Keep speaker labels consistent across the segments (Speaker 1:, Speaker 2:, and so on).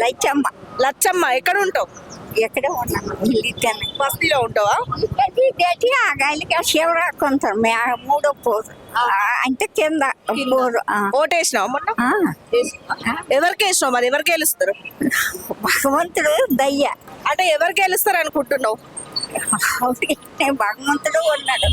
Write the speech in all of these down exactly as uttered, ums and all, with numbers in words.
Speaker 1: లచ్చమ్మ.
Speaker 2: లచ్చమ్మ ఎక్కడ ఉంటావు?
Speaker 1: ఎక్కడే ఉన్నాను, ఇల్లు
Speaker 2: బస్తీలో ఉంటావా?
Speaker 1: పెట్టి ఆ గాలికి శివరాకు ఉంటారు. మే మూడో పోరు అంటే కింద పోరు. ఆ.
Speaker 2: ఓటేసినావు మొన్న?
Speaker 1: ఆ.
Speaker 2: ఎవరికి వేసినావు మరి? ఎవరికి గెలుస్తారు?
Speaker 1: భగవంతుడు దయ్య.
Speaker 2: అంటే ఎవరు గెలుస్తారు అనుకుంటున్నావు?
Speaker 1: భగవంతుడు ఉన్నాడు.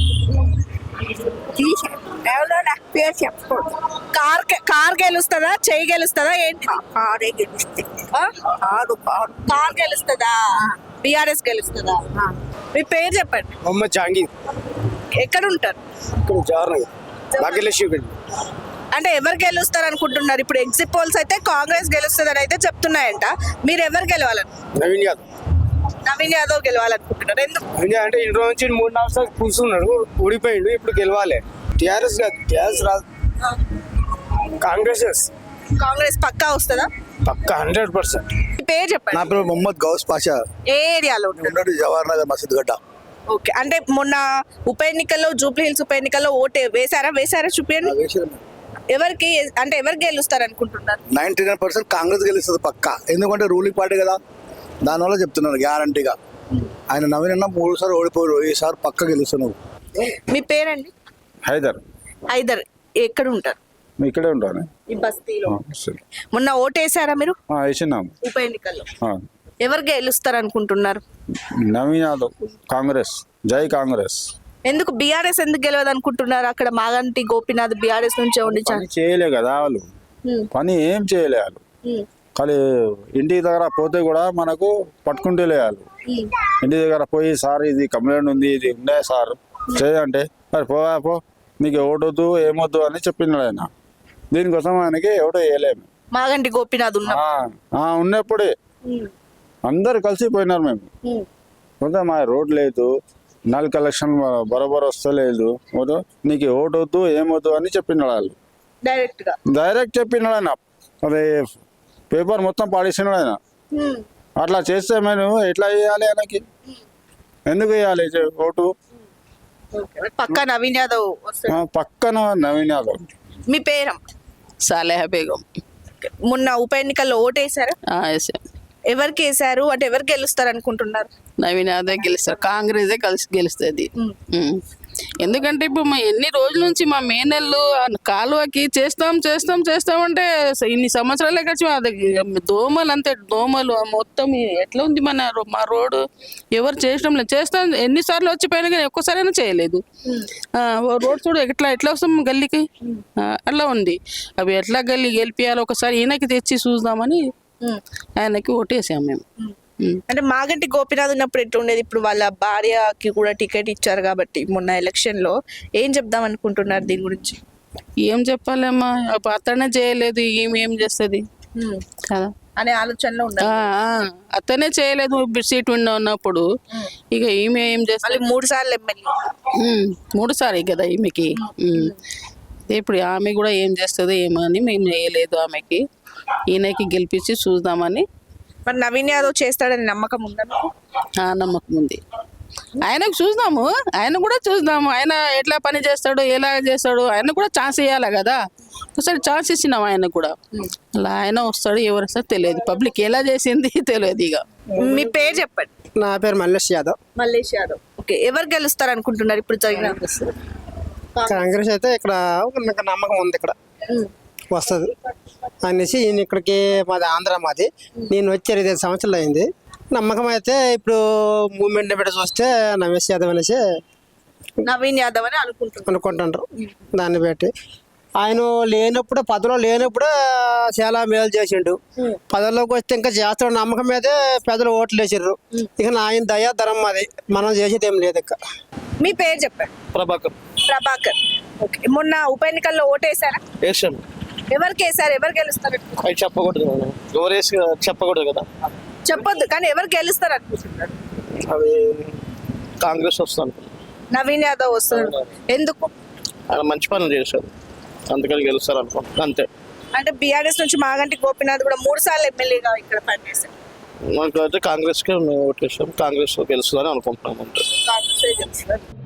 Speaker 1: తీసాడు ఎవరో నాకు పేరు చెప్పకూడదు.
Speaker 2: కార్ కార్ గెలుస్తుందా, చెయ్యి గెలుస్తుందా, ఏంటి?
Speaker 1: కారే గెలిస్తే
Speaker 2: ఆ?
Speaker 1: కారు కారు
Speaker 2: కార్ గెలుస్తుందా, బిఆర్ఎస్ గెలుస్తుందా? మీ పేరు చెప్పండి.
Speaker 3: మొహమ్మద్ జహాంగీర్.
Speaker 2: ఎక్కడ ఉంటారు?
Speaker 3: ఇక్కడ జవహర్నగర్ భాగ్యలక్ష్మి.
Speaker 2: అంటే ఎవరు గెలుస్తారు అనుకుంటున్నారు? ఇప్పుడు ఎగ్జిట్ పోల్స్ అయితే కాంగ్రెస్ గెలుస్తుందని అయితే చెప్తున్నాయంట. మీరు ఎవరు గెలవాలని?
Speaker 3: నవీన్ యాదవ్.
Speaker 2: నవీన్ యాదవ్ గెలవాలనుకుంటున్నారు. ఎందుకు?
Speaker 3: నవీన్ యాదవ్ అంటే ఇన్ని రోజు నుంచి మూడు నాలుగు సార్లు కూర్చున్నాడు, ఊడిపోయిండు. ఇప్పుడు గెలవాలి. టీఆర్ఎస్ కాదు, టీఆర్ఎస్ రాదు, కాంగ్రెస్.
Speaker 2: కాంగ్రెస్ పక్కా వస్తుందా?
Speaker 3: పక్కా హండ్రెడ్ పర్సెంట్.
Speaker 2: మీ పేరు చెప్పండి.
Speaker 4: నా పేరు మొహమ్మద్ గౌస్ పాషా.
Speaker 2: ఏ ఏరియాలో ఉంటారు?
Speaker 4: ఉన్నాడు జవహర్ నగర్ మసీద్ గడ్డ.
Speaker 2: ఓకే. అంటే మొన్న ఉప ఎన్నికల్లో, జూబ్లీ హిల్స్ ఉప ఎన్నికల్లో ఓటు వేసారా? వేసారా? చూపించండి. ఎవరికి అంటే ఎవరు గెలుస్తారు అనుకుంటున్నారు?
Speaker 4: నైన్టీ నైన్ పర్సెంట్ కాంగ్రెస్ గెలుస్తుంది పక్కా. ఎందుకంటే రూలింగ్ పార్టీ కదా, దానివల్ల చెప్తున్నాను గ్యారంటీగా. ఆయన నవీన్ అన్న మూడు సార్లు ఓడిపోయారు, ఈసారి పక్క గెలుస్తున్నావు.
Speaker 2: మీ పేరండి?
Speaker 5: హైదర్.
Speaker 2: హైదర్ ఎక్కడ ఉంటారు?
Speaker 5: ఇక్కడే ఉంటాను.
Speaker 2: ఈ బస్తీలో. మొన్న ఓటు వేసారా మీరు
Speaker 5: వేసినాము
Speaker 2: ఉప ఎన్నికల్లో? ఎవరు గెలుస్తారు అనుకుంటున్నారు?
Speaker 5: నవీన్ యాదవ్, కాంగ్రెస్. జై కాంగ్రెస్.
Speaker 2: ఎందుకు బీఆర్ఎస్ ఎందుకు గెలవదు అనుకుంటున్నారు? అక్కడ మాగంటి గోపీనాథ్ బీఆర్ఎస్ నుంచే ఉండి
Speaker 5: పని చేయలే కదా వాళ్ళు, పని ఏం చేయలే వాళ్ళు. కానీ ఇంటి దగ్గర పోతే కూడా మనకు పట్టుకుంటే వాళ్ళు. ఇంటి దగ్గర పోయి సార్ ఇది కంప్లైంట్ ఉంది, ఇది ఉండే సార్ చేయంటే మరి పోవా పో, నీకు ఓటొద్దు ఏమొద్దు అని చెప్పినాడు ఆయన. దీనికోసం ఆయనకి ఎవడో వేయలేము.
Speaker 2: మాగంటి గోపీనాథ్ ఉన్న
Speaker 5: ఉన్నప్పుడే అందరు కలిసిపోయినారు మేము. కొంత మా రోడ్ లేదు, నల్ కలెక్షన్ బరోబర్ వస్తలేదు, నీకు ఓటు వద్దు ఏమొద్దు అని చెప్పినాడు వాళ్ళు.
Speaker 2: డైరెక్ట్ గా
Speaker 5: డైరెక్ట్ చెప్పినాడు ఆయన. అదే పేపర్ మొత్తం పాడేసినాడు ఆయన. అట్లా చేస్తే మేము ఎట్లా వేయాలి ఆయనకి? ఎందుకు వేయాలి ఓటు?
Speaker 2: పక్క నవీన్ యాదవ్
Speaker 5: పక్కన నవీన్ యాదవ్.
Speaker 2: మీ పేరు?
Speaker 6: సాలేహ బేగం.
Speaker 2: మొన్న ఉప ఎన్నికల్లో ఓటు వేసారా?
Speaker 6: వేసాం.
Speaker 2: ఎవరికి వేసారు? అంటే ఎవరు గెలుస్తారు అనుకుంటున్నారు?
Speaker 6: నవీన్ యాదవ్ గెలుస్తారు, కాంగ్రెస్ కలిసి గెలుస్తుంది. ఎందుకంటే ఇప్పుడు మా ఎన్ని రోజుల నుంచి మా మేనల్లు కాలువకి చేస్తాం చేస్తాం చేస్తామంటే ఇన్ని సంవత్సరాలే ఖర్చు. అది దోమలు అంతే, దోమలు మొత్తం ఎట్లా ఉంది మన మా రోడ్డు. ఎవరు చేసడం లేదు. చేస్తాం ఎన్నిసార్లు వచ్చిపోయినా కానీ ఒక్కసారైనా చేయలేదు. రోడ్ చూడు ఎట్లా ఎట్లా వస్తాం గల్లీకి, అట్లా ఉంది. అవి ఎట్లా గల్లీ గెలిపియాలి ఒకసారి ఈయనకి తెచ్చి చూద్దామని ఆయనకి ఓటేసాం మేము.
Speaker 2: అంటే మాగంటి గోపీనాథ్ ఉన్నప్పుడు ఎట్లా ఉండేది? ఇప్పుడు వాళ్ళ భార్యకి కూడా టికెట్ ఇచ్చారు కాబట్టి మొన్న ఎలక్షన్ లో ఏం చెప్దాం అనుకుంటున్నారు దీని గురించి?
Speaker 6: ఏం చెప్పాలమ్మా, అతనే చేయలేదు, ఈమె ఏం చేస్తుంది కదా
Speaker 2: అనే ఆలోచనలో ఉన్నారు.
Speaker 6: అతనే చేయలేదు సీట్ విన్న ఉన్నప్పుడు, ఇక ఈమె ఏం చేస్తుంది?
Speaker 2: మూడు సార్లు ఎమ్మెల్యే,
Speaker 6: మూడు సార్లు కదా ఈమెకి. ఇప్పుడు ఆమె కూడా ఏం చేస్తుంది ఏమో అని మేము చేయలేదు ఆమెకి. ఈయనకి గెలిపించి చూద్దామని.
Speaker 2: మరి నవీన్ యాదవ్ చేస్తాడని నమ్మకం ఉందా?
Speaker 6: నమ్మకం ఉంది. ఆయనకు చూద్దాము, ఆయన కూడా చూద్దాము. ఆయన ఎట్లా పని చేస్తాడు, ఎలా చేస్తాడు, ఆయన కూడా ఛాన్స్ ఇవ్వాలి కదా. ఒకసారి ఛాన్స్ ఇచ్చినాం ఆయన కూడా. అలా ఆయన వస్తాడు, ఎవరు వస్తాడు తెలియదు. పబ్లిక్ ఎలా చేసింది తెలియదు. ఇక
Speaker 2: మీ పేరు చెప్పండి.
Speaker 3: నా పేరు మల్లేష్ యాదవ్.
Speaker 2: మల్లేష్ యాదవ్. ఓకే. ఎవరు గెలుస్తారు అనుకుంటున్నారు ఇప్పుడు జరిగిన?
Speaker 3: కాంగ్రెస్ అయితే ఇక్కడ ఒక నమ్మకం ఉంది, ఇక్కడ వస్తుంది అనేసి. ఈయన ఇక్కడికి మాది ఆంధ్ర, మాది నేను వచ్చి ఇరవై ఐదు సంవత్సరాలు అయింది. నమ్మకం అయితే ఇప్పుడు మూమెంట్ పెట్టి చూస్తే నవేష్ యాదవ్ అనేసి
Speaker 2: నవీన్ యాదవ్ అని అనుకుంటున్నారు
Speaker 3: అనుకుంటుంటారు. దాన్ని బట్టి ఆయన లేనప్పుడు, పదవిలో లేనప్పుడు చాలా మేలు చేసిండు. పదవిలోకి వస్తే ఇంకా చేస్తాడు నమ్మకం మీదే పెద్దలు ఓట్లు వేసారు. ఇక ఆయన దయా ధరం మాది, మనం చేసేది ఏం లేదు. ఇక
Speaker 2: మీ పేరు చెప్పండి.
Speaker 3: ప్రభాకర్.
Speaker 2: ప్రభాకర్. ఓకే. మొన్న ఉప ఎన్నికల్లో ఓటు వేసారా?
Speaker 3: వేసాను.
Speaker 2: ఎవరికి వేసారు? ఎవరు గెలుస్తారు?
Speaker 3: అవి చెప్పకూడదు, ఎవరు వేసి చెప్పకూడదు కదా.
Speaker 2: చెప్పొద్దు, కానీ ఎవరు గెలుస్తారు అనుకుంటున్నారు?
Speaker 3: అవి కాంగ్రెస్ వస్తాను.
Speaker 2: నవీన్ యాదవ్ వస్తారు. ఎందుకు?
Speaker 3: ఆయన మంచి పనులు చేశారు, అందుకని గెలుస్తారు అనుకో, అంతే.
Speaker 2: అంటే బీఆర్ఎస్ నుంచి మాగంటి గోపీనాథ్ కూడా మూడు సార్లు ఎమ్మెల్యేగా ఇక్కడ పనిచేశారు.
Speaker 3: మాకు అయితే కాంగ్రెస్కే మేము ఓటు వేసాం, కాంగ్రెస్ గెలుస్తుందని అనుకుంటున్నాం అంతే.
Speaker 2: కాంగ్రెస్ గెలుస్తారు.